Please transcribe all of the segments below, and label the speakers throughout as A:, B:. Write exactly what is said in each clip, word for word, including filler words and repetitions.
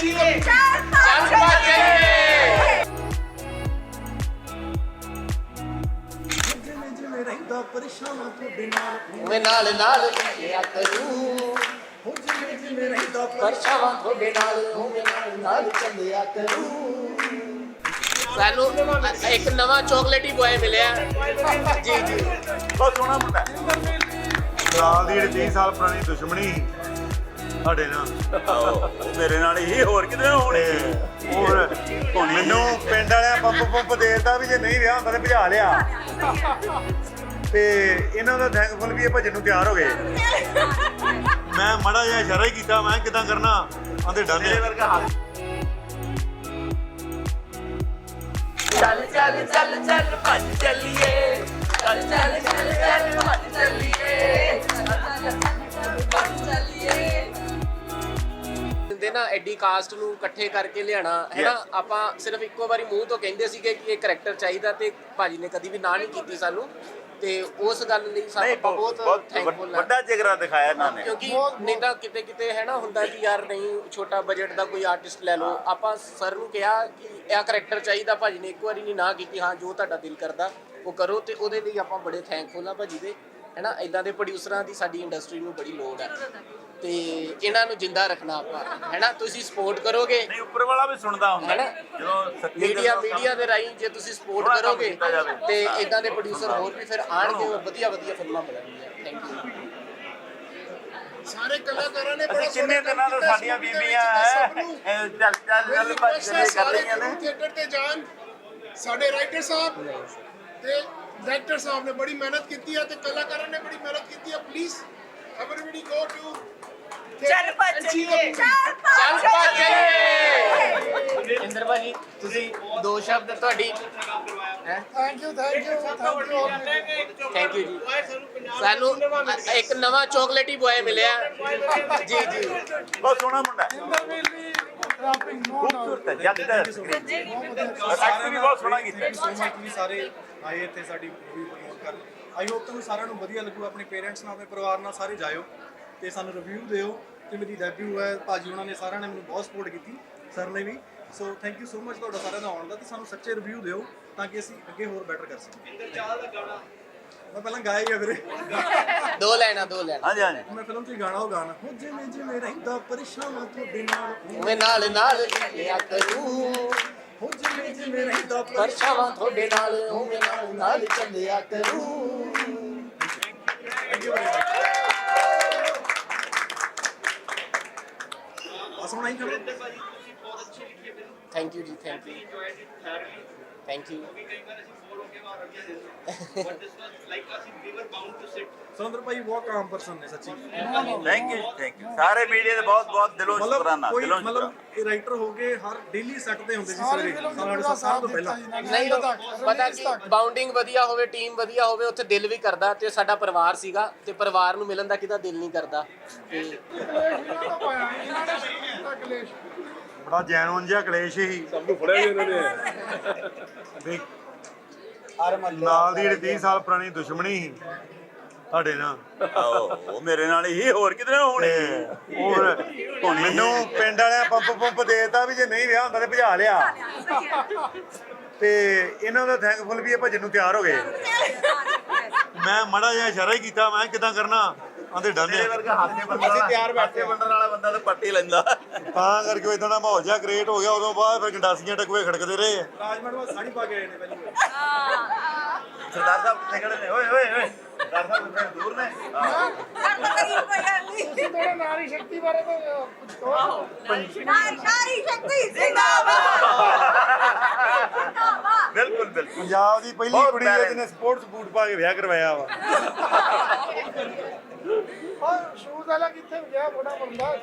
A: चाहिए चार पाँच चाहिए मैं नाल नाल चलिया करूं परछावां थोड़े नाल मैं नाल नाल चलिया करूं सानू एक नवा चॉकलेट ही बॉय मिले जी जी
B: बहुत सोहना मुंडा ਨਾਲ ਦੀ ਜਿਹੜੀ तीस ਸਾਲ ਪੁਰਾਣੀ ਦੁਸ਼ਮਣੀ ਸਾਡੇ ਨਾਲ ਮੇਰੇ ਨਾਲ ਹੀ ਹੋਰ ਕਿਤੇ ਹੋਣੀ ਹੋਰ ਮੈਨੂੰ ਪਿੰਡ ਵਾਲਿਆਂ ਪੰਪ ਪੰਪ ਦੇਤਾ ਵੀ ਜੇ ਨਹੀਂ ਵਿਆਹ ਹੁੰਦਾ ਤਾਂ ਭਜਾ ਲਿਆ ਤੇ ਇਹਨਾਂ ਦਾ ਥੈਂਕਫੁਲ ਵੀ ਇਹ ਭਜਨ ਨੂੰ ਤਿਆਰ ਹੋ ਗਏ ਮੈਂ ਮਾੜਾ ਜਿਹਾ ਇਸ਼ਾਰਾ ਹੀ ਕੀਤਾ ਮੈਂ ਕਿਦਾਂ ਕਰਨਾ ਆਂਦੇ ਡਾਲੇ ਵਰਗਾ
A: चल चल चल चल भज चलिए चल चल चल चल भज चलिए ਨਾ ਐਡੀ ਕਾਸਟ ਨੂੰ ਇਕੱਠੇ ਕਰਕੇ ਲਿਆਣਾ ਹੈ ਨਾ ਆਪਾਂ ਸਿਰਫ ਇੱਕੋ ਵਾਰੀ ਮੂੰਹ ਤੋਂ ਕਹਿੰਦੇ ਸੀਗੇ ਕਿ ਇਹ ਕਰੈਕਟਰ ਚਾਹੀਦਾ ਤੇ ਭਾਜੀ ਨੇ ਕਦੀ ਵੀ ਨਾ ਨਹੀਂ ਕੀਤੀ ਸਾਨੂੰ ਤੇ ਉਸ ਗੱਲ ਲਈ ਸਾਨੂੰ ਬਹੁਤ ਥੈਂਕਫੁਲ
B: ਵੱਡਾ ਜਿਗਰਾ ਦਿਖਾਇਆ ਇਹਨਾਂ ਨੇ
A: ਕਿਉਂਕਿ ਨਹੀਂ ਤਾਂ ਕਿਤੇ ਕਿਤੇ ਹੈ ਨਾ ਹੁੰਦਾ ਕਿ ਯਾਰ ਨਹੀਂ ਛੋਟਾ ਬਜਟ ਦਾ ਕੋਈ ਆਰਟਿਸਟ ਲੈ ਲਓ ਆਪਾਂ ਸਰ ਨੂੰ ਕਿਹਾ ਕਿ ਇਹ ਕਰੈਕਟਰ ਚਾਹੀਦਾ ਭਾਜੀ ਨੇ ਇੱਕ ਵਾਰੀ ਨਹੀਂ ਨਾ ਕੀਤੀ ਹਾਂ ਜੋ ਤੁਹਾਡਾ ਦਿਲ ਕਰਦਾ ਉਹ ਕਰੋ ਤੇ ਉਹਦੇ ਲਈ ਆਪਾਂ ਬੜੇ ਥੈਂਕਫੁਲ ਆ ਭਾਜੀ ਦੇ ਹੈ ਨਾ ਇਦਾਂ ਦੇ ਪ੍ਰੋਡਿਊਸਰਾਂ ਦੀ ਸਾਡੀ ਇੰਡਸਟਰੀ ਨੂੰ ਬੜੀ ਲੋੜ ਹੈ ਤੇ ਇਹਨਾਂ ਨੂੰ ਜਿੰਦਾ ਰੱਖਣਾ ਆਪਾਂ ਹੈ ਨਾ ਤੁਸੀਂ ਸਪੋਰਟ ਕਰੋਗੇ
B: ਨਹੀਂ ਉੱਪਰ ਵਾਲਾ ਵੀ ਸੁਣਦਾ ਹੁੰਦਾ
A: ਜਦੋਂ ਮੀਡੀਆ ਮੀਡੀਆ ਦੇ ਰਾਹੀਂ ਜੇ ਤੁਸੀਂ ਸਪੋਰਟ ਕਰੋਗੇ ਤੇ ਇਦਾਂ ਦੇ ਪ੍ਰੋਡਿਊਸਰ ਹੋਰ ਵੀ ਫਿਰ ਆਣਗੇ ਵਧੀਆ ਵਧੀਆ ਫਿਲਮਾਂ ਬਣਾਉਣਗੀਆਂ ਥੈਂਕ ਯੂ
C: ਸਾਰੇ ਕਲਾਕਾਰਾਂ ਨੇ ਬੜਾ
B: ਕਿੰਨੇ ਦਿਨਾਂ ਤੋਂ ਸਾਡੀਆਂ ਬੀਬੀਆਂ ਹੈ ਚੱਲ ਚੱਲ ਚੱਲ ਭੱਜ ਕਰ ਰਹੀਆਂ ਨੇ
C: ਥੀਏਟਰ ਤੇ ਜਾਣ ਸਾਡੇ ਰਾਈਟਰ ਸਾਹਿਬ ਤੇ ਡਾਇਰੈਕਟਰ ਸਾਹਿਬ ਨੇ ਬੜੀ ਮਿਹਨਤ ਕੀਤੀ ਹੈ ਤੇ ਕਲਾਕਾਰਾਂ ਨੇ ਬੜੀ ਮਿਹਨਤ ਕੀਤੀ ਹੈ ਪਲੀਜ਼ ਐਵਰੀਬਾਡੀ ਗੋ ਟੂ
A: ਚੱਲ ਭੱਜ ਚੱਲੀਏ ਚੱਲ ਭੱਜ ਚੱਲੀਏ ਇੰਦਰ ਭਾਜੀ ਤੁਸੀਂ ਦੋ ਸ਼ਬਦ ਤੁਹਾਡੀ ਹੈ
C: thank you thank you thank you
A: thank you ਜੀ ਸਾਨੂੰ ਇੱਕ ਨਵਾਂ ਚੌਕਲੇਟ ਹੀ ਬॉय ਮਿਲਿਆ ਜੀ ਜੀ
B: ਬਹੁਤ ਸੋਹਣਾ ਮੁੰਡਾ ਖੂਬਸੂਰਤ ਹੈ ਜੱਟ ਦਾ ਐਕਟਰ ਵੀ ਬਹੁਤ ਸੋਹਣਾ ਕੀਤਾ
D: ਸੋ ਮਚ ਵੀ ਸਾਰੇ ਆਏ ਇੱਥੇ ਸਾਡੀ ਮੂਵੀ ਪ੍ਰਮੋਟ ਕਰਨ ਆਈ ਹੋਪ ਤੁਹਾਨੂੰ ਸਾਰਿਆਂ ਨੂੰ ਵਧੀਆ ਲੱਗੂ ਆਪਣੇ ਪੇਰੈਂਟਸ ਨਾਲ ਆਪਣੇ ਪਰਿਵਾਰ ਨਾਲ ਸਾਰੇ ਜਾਇਓ ਤੇ ਸਾਨੂੰ ਰਿਵਿਊ ਦਿਓ ਤੇ ਮੇਰੀ ਡੈਬਿਊ ਹੈ ਭਾਜੀ ਉਹਨਾਂ ਨੇ ਸਾਰਿਆਂ ਨੇ ਮੈਨੂੰ ਬਹੁਤ ਸਪੋਰਟ ਕੀਤੀ ਸਰ ਨੇ ਵੀ so thank you so much ਤੁਹਾਡਾ ਸਾਰਿਆਂ ਦਾ ਆਉਣ ਦਾ ਤੇ ਸਾਨੂੰ ਸੱਚੇ ਰਿਵਿਊ ਦਿਓ ਤਾਂ ਕਿ ਅਸੀਂ ਅੱਗੇ ਹੋਰ ਬੈਟਰ ਕਰ ਸਕੀਏ ਇੰਦਰ ਚਾਹਲ ਦਾ ਗਾਣਾ ਮੈਂ ਪਹਿਲਾਂ ਗਾਇਆ ਹੀ ਆ ਵੀਰੇ
A: ਦੋ ਲੈਣਾ ਦੋ ਲੈਣਾ
B: ਹਾਂਜੀ ਹਾਂਜੀ
D: ਮੈਂ ਫਿਲਮ 'ਚ ਗਾਣਾ ਉਹ ਗਾਣਾ ਹੋ ਜਿਵੇਂ ਜਿਵੇਂ ਰਹਿੰਦਾ ਪਰੇਸ਼ਾਨ ਤੁਹਾਡੇ ਨਾਲ
A: ਮੈਂ ਨਾਲ ਨਾਲ ਲਿਆ ਕਰੂੰ
D: ਹੋ ਜਿਵੇਂ ਜਿਵੇਂ ਰਹਿੰਦਾ
A: ਪਰਛਾਵਾਂ ਤੁਹਾਡੇ ਨਾਲ ਮੈਂ ਨਾਲ ਨਾਲ ਚੱਲਿਆ ਕਰੂੰ
D: ਥੈਂਕ ਯੂ ਅਸਮ ਨਹੀਂ ਕਰੋ
A: ਥੈਂਕ ਯੂ ਜੀ thank you thank you
D: Surinder ਭਾਈ ਬਹੁਤ ਕਾਮ ਪਰਸਨ ਨੇ ਸੱਚੀ
B: ਥੈਂਕ ਯੂ ਥੈਂਕ ਯੂ ਸਾਰੇ ਮੀਡੀਆ ਦੇ ਬਹੁਤ ਬਹੁਤ ਦਿਲੋਂ ਸ਼ੁਕਰਾਨਾ
D: ਕੋਈ
B: ਦਿਲੋਂ
D: ਮਤਲਬ ਇਹ ਰਾਈਟਰ ਹੋ ਕੇ ਹਰ ਡੇਲੀ ਸੈੱਟ ਤੇ ਹੁੰਦੇ ਸੀ ਸਵੇਰੇ ਸਾਡੇ ਸਾਲ ਤੋਂ ਪਹਿਲਾਂ
A: ਨਹੀਂ ਪਤਾ ਕਿ ਬਾਉਂਡਿੰਗ ਵਧੀਆ ਹੋਵੇ ਟੀਮ ਵਧੀਆ ਹੋਵੇ ਉੱਥੇ ਦਿਲ ਵੀ ਕਰਦਾ ਤੇ ਸਾਡਾ ਪਰਿਵਾਰ ਸੀਗਾ ਤੇ ਪਰਿਵਾਰ ਨੂੰ ਮਿਲਣ ਦਾ ਕਿਹਦਾ ਦਿਲ ਨਹੀਂ ਕਰਦਾ ਤੇ
B: ਬੜਾ ਜੈਨੂਨ ਜਿਹਾ ਕਲੇਸ਼ ਹੀ
E: ਸਭ ਨੂੰ ਫੜਿਆ ਵੀ ਇਹਨਾਂ ਨੇ
B: ਨਾਲ ਦੀ ਜਿਹੜੀ तीस ਸਾਲ ਪੁਰਾਣੀ ਦੁਸ਼ਮਣੀ ਸੀ ਸਾਡੇ ਨਾਲ ਉਹ ਮੇਰੇ ਨਾਲ ਹੀ ਹੋਰ ਕਿਤੇ ਹੋਣੀ ਹੋਰ ਮੈਨੂੰ ਪਿੰਡ ਵਾਲਿਆਂ ਪੰਪ ਪੰਪ ਦੇਤਾ ਵੀ ਜੇ ਨਹੀਂ ਵਿਆਹ ਹੁੰਦਾ ਤਾਂ ਭਜਾ ਲਿਆ ਤੇ ਇਹਨਾਂ ਦਾ ਥੈਂਕਫੁਲ ਵੀ ਇਹ ਭਜਨ ਨੂੰ ਤਿਆਰ ਹੋ ਗਏ ਮੈਂ ਮਾੜਾ ਜਿਹਾ ਇਸ਼ਾਰਾ ਹੀ ਕੀਤਾ ਮੈਂ ਕਿਦਾਂ ਕਰਨਾ ਆਂਦੇ ਡਾਲੇ ਵਰਗਾ ਹਾਥੇ ਬੰਦਾ ਅਸੀਂ ਤਿਆਰ ਬੈਠੇ ਬੰਦਣ ਵਾਲਾ ਬੰਦਾ ਤਾਂ ਪੱਟੀ ਲੈਂਦਾ ਤਾਂ ਕਰਕੇ ਇਦਾਂ ਦਾ ਮਾਹੌਲ ਜਿਹਾ ਕ੍ਰੀਏਟ ਹੋ ਗਿਆ ਉਦੋਂ ਬਾਅਦ ਫਿਰ ਗੰਡਾਸੀਆਂ ਟਕਵੇ ਖੜਕਦੇ ਰਹੇ
D: ਰਾਜ ਮੈਡਮ ਸਾੜੀ ਪਾ ਕੇ ਆਏ ਨੇ ਪਹਿਲੀ ਵਾਰ
B: ਸਰਦਾਰ ਸਾਹਿਬ ਕਿੱਥੇ ਖੜੇ ਨੇ ਓਏ ਓਏ ਓਏ ਸਰਦਾਰ ਸਾਹਿਬ ਕਿੱਥੇ ਦੂਰ ਨੇ
C: ਤੁਸੀਂ ਥੋੜਾ ਨਾਰੀ ਸ਼ਕਤੀ ਬਾਰੇ ਤਾਂ ਕੁਝ ਕਹੋ
F: ਨਾਰੀ ਸ਼ਕਤੀ ਜ਼ਿੰਦਾਬਾਦ
B: ਬਿਲਕੁਲ ਬਿਲਕੁਲ ਪੰਜਾਬ ਦੀ ਪਹਿਲੀ ਕੁੜੀ ਜਿਹਨੇ ਸਪੋਰਟਸ ਬੂਟ ਪਾ ਕੇ ਵਿਆਹ ਕਰਵਾਇਆ ਵਾ
C: ਔਰ ਸ਼ੂਜ਼ ਵਾਲਾ ਕਿੱਥੇ ਗਿਆ ਬੜਾ ਬੰਦਾ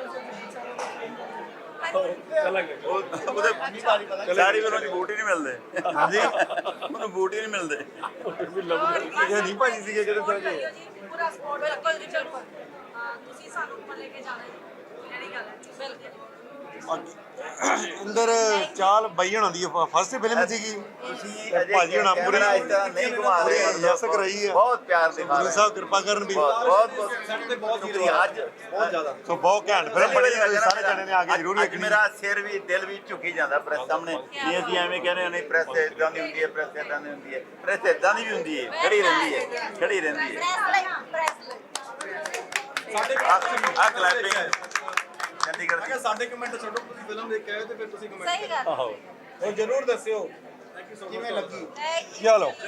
B: ਉਹਦੇ ਸਾਰੀ ਵਾਰ ਉਹਨੂੰ ਬੂਟ ਹੀ ਨਹੀਂ ਮਿਲਦੇ ਹਾਂਜੀ ਉਹਨੂੰ ਬੂਟ ਹੀ ਨਹੀਂ ਮਿਲਦੇ ਇਹ ਨਹੀਂ ਭਾਜੀ ਸੀਗੇ ਕਿਤੇ ਸਾਰੇ
F: ਪੂਰਾ ਸਪੋਰਟ ਬਿਲਕੁਲ ਜੀ ਬਿਲਕੁਲ ਹਾਂ ਤੁਸੀਂ ਸਾਨੂੰ ਉੱਪਰ ਲੈ ਕੇ ਜਾਣਾ ਜੀ ਜਿਹੜੀ ਗੱਲ ਹੈ ਬਿਲਕੁਲ
B: ਅੰਦਰ ਚਾਲ ਬਾਈ ਹੋਣਾ ਦੀ ਫਸਟ ਫਿਲਮ ਸੀਗੀ ਭਾਜੀ ਹੋਣਾ ਪੂਰੀ
G: ਨਹੀਂ ਘੁਮਾ ਰਹੇ
B: ਯਸ ਕਰਾਈ ਆ
G: ਬਹੁਤ ਪਿਆਰ ਦੇ
B: ਗੁਰੂ ਸਾਹਿਬ ਕਿਰਪਾ ਕਰਨ ਵੀ
G: ਬਹੁਤ ਬਹੁਤ
D: ਸੈੱਟ ਤੇ ਬਹੁਤ
G: ਸ਼ੁਕਰੀਆ ਅੱਜ
D: ਬਹੁਤ ਜ਼ਿਆਦਾ
B: ਸੋ ਬਹੁਤ ਘੈਂਟ ਫਿਲਮ ਬਣੀ ਆ, ਤੁਸੀਂ ਸਾਰੇ ਜਣੇ ਨੇ ਆ ਕੇ ਜ਼ਰੂਰ
G: ਅੱਜ
B: ਵੇਖਣੀ
G: ਮੇਰਾ ਸਿਰ ਵੀ ਦਿਲ ਵੀ ਝੁਕੀ ਜਾਂਦਾ ਪ੍ਰੈਸ ਸਾਹਮਣੇ ਨਹੀਂ ਅਸੀਂ ਐਵੇਂ ਕਹਿੰਦੇ ਨਹੀਂ ਪ੍ਰੈਸ ਇਦਾਂ ਦੀ ਹੁੰਦੀ ਹੈ ਪ੍ਰੈਸ ਇਦਾਂ ਦੀ ਹੁੰਦੀ ਹੈ ਪ੍ਰੈਸ ਇਦਾਂ ਦੀ ਵੀ ਹੁੰਦੀ ਹੈ ਖੜੀ ਰਹਿੰਦੀ ਹੈ ਖੜੀ ਰਹਿੰਦੀ ਹੈ
D: ਸਾਡੇ
G: ਆ ਕਲੈਪਿੰਗ ਚੰਡੀਗੜ੍ਹ
D: ਅਗਰ ਸਾਡੇ ਕਮੈਂਟ ਛੱਡੋ ਤੁਸੀਂ ਫਿਲਮ ਦੇਖ ਕੇ ਆਏ ਤੇ ਫਿਰ ਤੁਸੀਂ ਕਮੈਂਟ
F: ਸਹੀ ਗੱਲ
B: ਉਹ ਜ਼ਰੂਰ ਦੱਸਿਓ
D: ਥੈਂਕ ਯੂ ਸੋ ਮਚ
C: ਕਿਵੇਂ ਲੱਗੀ
B: ਚਲੋ